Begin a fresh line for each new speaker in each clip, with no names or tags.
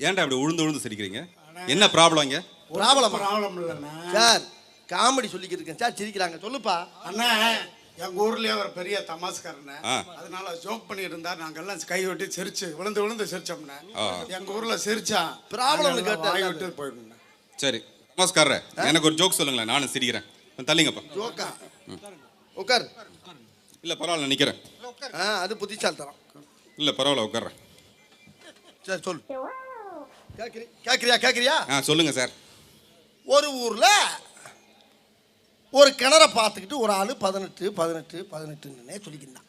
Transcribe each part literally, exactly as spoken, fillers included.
ஏன்டா அப்படி உழுந்து உழுந்து சிரிக்கிறீங்க? என்ன ப்ராப்ளம் இங்க?
ப்ராப்ளம்
ப்ராப்ளம் இல்லைண்ணா
சார், காமெடி சொல்லிக்கிட்டு இருக்கேன் சார். சிரிக்கிறாங்க. சொல்லுப்பா.
அண்ணா. எங்க ஊர்லயே ஒரு பெரிய தமாஸ்காரண்ண,
ஆ.
அதனால ஜோக் பண்ணிட்டு இருந்தா நாங்கெல்லாம் கை விட்டு சிரிச்சு விழுந்து விழுந்து சிரிச்சோம்னா
ஆ.
எங்க ஊர்ல சிரிச்சா
ப்ராப்ளம்னு கேட்டா
வாய் விட்டு போயிடுங்க.
சரி, நமஸ்காரம். எனக்கு ஒரு ஜோக் சொல்லுங்களேன், நானும் சிரிக்கிறேன். தள்ளிங்கப்பா.
ஜோக்கா? உட்கார்.
இல்ல பரவாயில்ல, நான் நிக்கிறேன்.
ஆ, அது புத்திசாலித்தனம்.
இல்ல பரவாயில்ல, உட்கார்றேன்.
சரி சொல்லு. கேக்குறி கேக்குறியா கேக்குறியா
ஆ சொல்லுங்க சார்.
ஒரு ஊர்ல ஒரு கிணற பார்த்துக்கிட்டு ஒரு ஆளு பதினெட்டு பதினெட்டு பதினெட்டுன்னே சொல்லிக்கிட்டான்.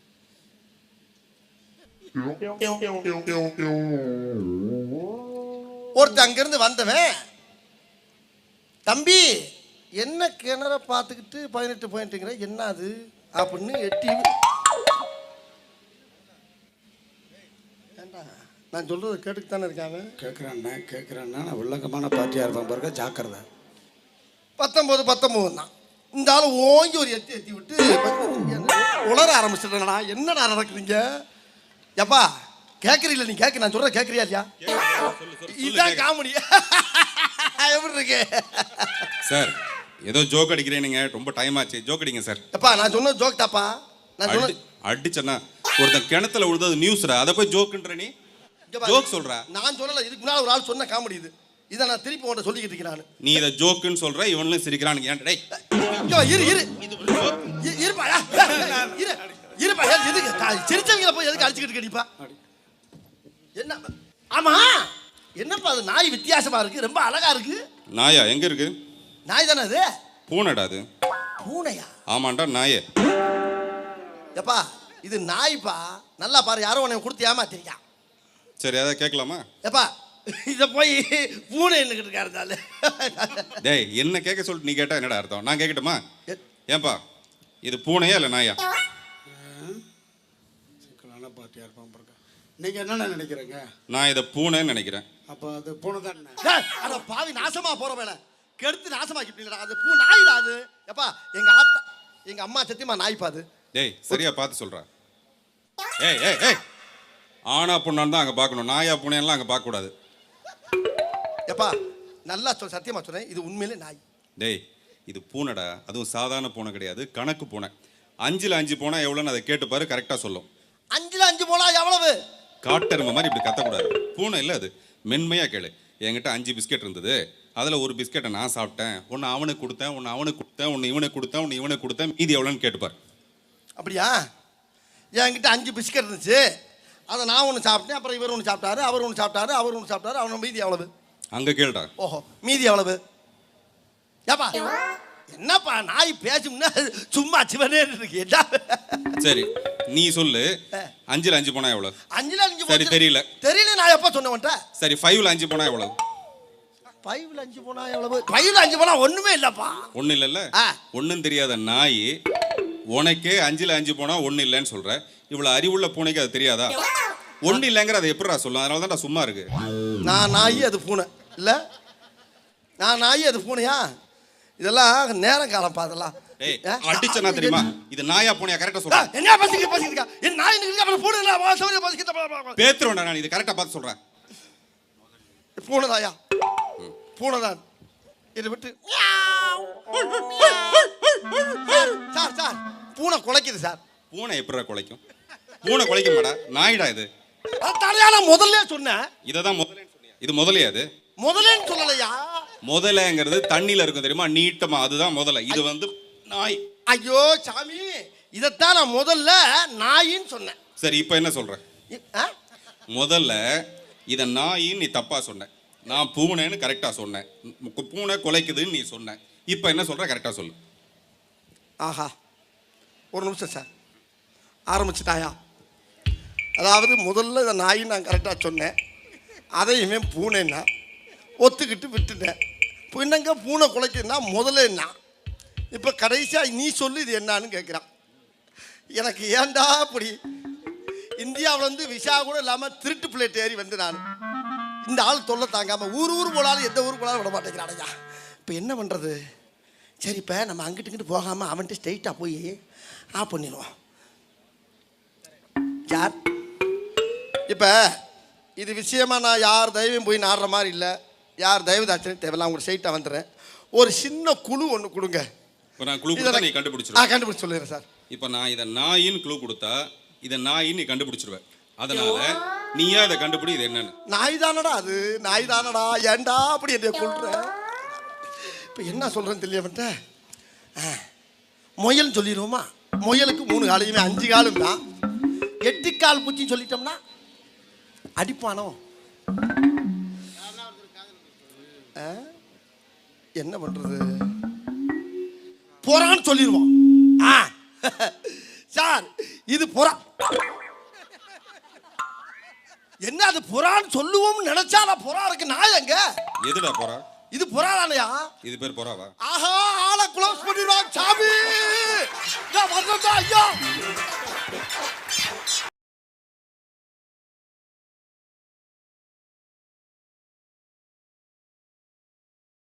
ஒருத்தன் அங்கிருந்து வந்தவன், தம்பி என்ன கிணற பார்த்துக்கிட்டு பதினெட்டு பாயிண்ட்டுங்கிற என்ன அது அப்படின்னு எட்டி. ஏண்டா நான் சொல்றது கேட்டுக்கு தானே இருக்காங்க.
கேட்குறேண்ணா கேட்குறேன்னா நான் வில்லங்கமான பார்ட்டியாக இருப்பேன் பாருங்க, ஜாக்கிரதை. பத்தொம்போது
பத்தொம்போது தான் இந்த ஆள் ஓங்கி ஒரு எத்தி எத்தி விட்டு உளர ஆரம்பிச்சிட்டா. என்னடா நடக்குதுங்க? எப்பா கேட்குறீங்களா? நீ கேட்க, நான் சொல்கிறேன் கேட்குறியா இல்லையா? இதுதான் காமெடி. எப்படி இருக்கு
சார்? ஏதோ ஜோக் அடிக்கிறேன், நீங்க ரொம்ப டைம் ஆச்சு. ஜோக் அடிங்க சார்.
எப்பா நான் சொன்ன ஜோக் தாப்பா. நான் சொன்ன
அடிச்சேன்னா ஒருத்தன் கிணத்துல விழுந்தது நியூஸ்ரா, அதை போய் ஜோக்குன்ற நீ ஜோக் சொல்ற.
நான் சொல்லல, இதுக்கு முன்னாடி ஒரு ஆள் சொன்ன காமெடி இது. இதை நான் திருப்பி உன்கிட்ட சொல்லிக்கிட்டு இருக்கிறேன்.
நீ இதை ஜோக்குன்னு சொல்ற, இவனும் சிரிக்கிறானுங்க. ஏன் டேய்
இரு இரு இருப்பா இரு இருப்பா. எதுக்கு சிரிச்சவங்கள போய் எதுக்கு அடிச்சுக்கிட்டு கடிப்பா? என்ன? ஆமா, என்னப்பா அது நாய் வித்தியாசமா இருக்கு, ரொம்ப அழகா இருக்கு.
நாயா? எங்க இருக்கு?
நாய் தானே அது?
பூனைடா அது.
பூனையா?
ஆமாண்டா, நாயே.
எப்பா இது நாய்ப்பா, நல்லா பாரு. யாரோ உன்னை கொடுத்து ஏமாத்திருக்கா.
சரி, அதை கேட்கலாமா?
எப்பா இதை போய் பூனை என்னக்கிட்டு இருக்காருந்தால.
டேய், என்ன கேட்க சொல்லிட்டு நீ கேட்டா என்னடா அர்த்தம்? நான் கேட்கட்டுமா? ஏன்பா இது பூனையா இல்லை நாயா?
சிக்கலான பார்ட்டியாக இருப்பான் பாருங்க. நீங்கள் என்னென்ன நினைக்கிறீங்க?
நான் இதை பூனைன்னு நினைக்கிறேன்.
அப்போ அது பூனை தான்.
அட பாவி, நாசமா போற வேலை கெடுத்து நாசமாக்கிட்டீங்களா? அது பூ நாய் தான் அது. எப்பா எங்க ஆத்தா எங்க அம்மா சத்தியமா நாய்ப்பா அது.
டேய் சரியா பார்த்து சொல்றா. ஏய் ஏய் ஏய் ஆனா பொண்ணான்னு தான் அங்கே பார்க்கணும், நாயா பூனையெல்லாம் அங்கே பார்க்கக்கூடாது.
எப்பா நல்லா சொல், சத்தியமா சொல்றேன், இது உண்மையிலே நாய்.
டேய் இது பூனைடா, அதுவும் சாதாரண பூனை கிடையாது, கணக்கு பூனை. அஞ்சுல அஞ்சு போனா எவ்வளோன்னு அதை கேட்டு பாரு, கரெக்டாக சொல்லும்.
அஞ்சுல அஞ்சு போனா எவ்வளவு?
காட்டெருமை மாதிரி இப்படி கத்தக்கூடாது. பூனை இல்லை அது, மென்மையாக கேளு. என்கிட்ட அஞ்சு பிஸ்கெட் இருந்தது, அதில் ஒரு பிஸ்கெட்டை நான் சாப்பிட்டேன், ஒன்று அவனுக்கு கொடுத்தேன், ஒன்று அவனுக்கு கொடுத்தேன், ஒன்று இவனுக்கு கொடுத்தேன், ஒன்று இவனுக்கு கொடுத்தேன், மீதி எவ்வளோன்னு கேட்டுப்பார்.
அப்படியா? என்கிட்ட அஞ்சு பிஸ்கெட் இருந்துச்சு, அதை நான் ஒன்று சாப்பிட்டேன், அப்புறம் இவர் ஒன்று சாப்பிட்டாரு, அவர் ஒன்று சாப்பிட்டாரு, அவர் ஒன்று சாப்பிட்டாரு, அவன் மீதி எவ்வளவு?
அங்கே கேளுடா.
ஓஹோ, மீதி எவ்வளவு? ஏப்பா என்னப்பா நாய் பேசும்னா சும்மா சிவனே இருக்கு.
சரி நீ சொல்லு, அஞ்சுல அஞ்சு போனா எவ்வளவு?
அஞ்சுல அஞ்சு
சரி தெரியல.
தெரியல, நான் எப்ப சொன்னேன்? சரி
ஃபைவ்ல அஞ்சு போனா எவ்வளவு?
ஃபைவ்ல அஞ்சு போனா எவ்வளவு? ஃபைவ்ல அஞ்சு போனா ஒண்ணுமே இல்லப்பா.
ஒண்ணு இல்லல்ல, ஒண்ணும் தெரியாத நாய் உனக்கே அஞ்சுல அஞ்சு போனா ஒண்ணு இல்லைன்னு சொல்ற. இவ்வளவு அறிவுள்ள பூனைக்கு அது தெரியாதா? ஒண்ணு இல்லைங்கிற அதை எப்படிடா சொல்லும்? அதனால தான் சும்மா இருக்கு. நான்
நாய் அது பூனை இல்ல, நான் நாய் அது பூனையா? இதெல்லாம் நேரம் காலம் பார்த்தலாம்.
ஏய் அடிச்சனா தெரியுமா? இது நாயா பூனையா கரெக்ட்டா சொல்ற.
என்ன பேசிக்க பேசிக்க? என் நாய் நிக்க அப்புறம் பூனை இல்ல வாசவங்க பேசிக்க
பேத்ரோடா. நான் இது கரெக்ட்டா பார்த்து சொல்றேன்.
பூனை தாயா? பூனை தான். இத விட்டு சார் சார் பூனை குலைக்குது சார்.
பூனை எப்படிடா குலைக்கும்? பூனை குலைக்க மாடா, நாய்டா இது.
தலையால முதல்ல சொன்னேன்.
இததான் முதல்ல சொன்னியா? இது முதலையா? அது
முதலைன்னு சொல்லலையா?
முதலைங்கிறது தண்ணியில இருக்கும் தெரியுமா, நீட்டமா, அதுதான் முதலை. இது வந்து நாய்.
ஐயோ சாமி, இதத்தான் நான் முதல்ல நாயின்னு சொன்னேன்.
சரி இப்போ என்ன சொல்ற? முதல்ல இத நாயின்னு நீ தப்பா சொன்ன, நான் பூனைன்னு கரெக்டா சொன்னேன். பூனை குலைக்குதுன்னு நீ சொன்ன. இப்போ என்ன சொல்ற? கரெக்டா சொல்லு.
ஆஹா, ஒரு நிமிஷம் சார், ஆரம்பிச்சுட்டாயா? அதாவது முதல்ல இதை நாயின்னு நான் கரெக்டாக சொன்னேன், அதையுமே பூனைன்னா ஒத்துக்கிட்டு விட்டுட்டேன். இப்போ என்னங்க பூனை குலைக்குதுன்னா முதல்ல என்ன? இப்போ கடைசியாக நீ சொல்லு இது என்னான்னு கேட்குறான். எனக்கு ஏன்டா அப்படி? இந்தியாவில் வந்து விசா கூட இல்லாமல் திருட்டு பிளேட் ஏறி வந்து நான் இந்த ஆள் தொல்லை தாங்காமல் ஊர் ஊர் போனாலும் எந்த ஊர் போனாலும் விட மாட்டேங்கிறானையா. இப்போ என்ன பண்ணுறது? சரி இப்போ நம்ம அங்கிட்டு இங்கிட்டு போகாமல் அவன்கிட்ட ஸ்ட்ரைட்டாக போய் ஆஃப் பண்ணிடுவோம். சார் இப்போ இது விஷயமா நான் யார் தயவையும் போய் நாடுற மாதிரி இல்லை, யார் தயவு தாட்சணையும் தேவையில்ல, அவங்க சைட்டாக வந்துடுறேன். ஒரு சின்ன குழு ஒன்று கொடுங்க.
இப்போ நான் குழு கொடுத்தா நீ
ஆ
கண்டுபிடிச்சிருவேன்.
கண்டுபிடிச்சி சொல்லிடுறேன் சார்.
இப்போ நான் இதை நாயின்னு குழு கொடுத்தா இதை நாயின்னு நீ கண்டுபிடிச்சிருவேன். அதனால நீயா இதை கண்டுபிடி, இது என்னன்னு.
நாய் தானடா அது, நாய் தானடா, ஏன்டா அப்படி என்னை கொள்ற? இப்போ என்ன சொல்கிறேன்னு தெரியவன்ட்ட முயல்னு சொல்லிடுவோமா? முயலுக்கு மூணு காலையுமே அஞ்சு காலும் தான். எட்டு கால் பூச்சின்னு சொல்லிட்டோம்னா அடிப்பானோ? ஆ? என்ன பண்றது? புறான்னு சொல்லிடுவோம். ஆ சார் இது புறா. என்ன அது புறான்னு சொல்லுவோம்னு நினைச்சா புறா இருக்கு. நாய் எங்க?
எதுடா போறா?
இது புறா தானையா?
இது பேர் போறாவா?
ஆஹா, ஆளை க்ளோஸ் பண்ணிடுவாங்க சாமி. ஐயா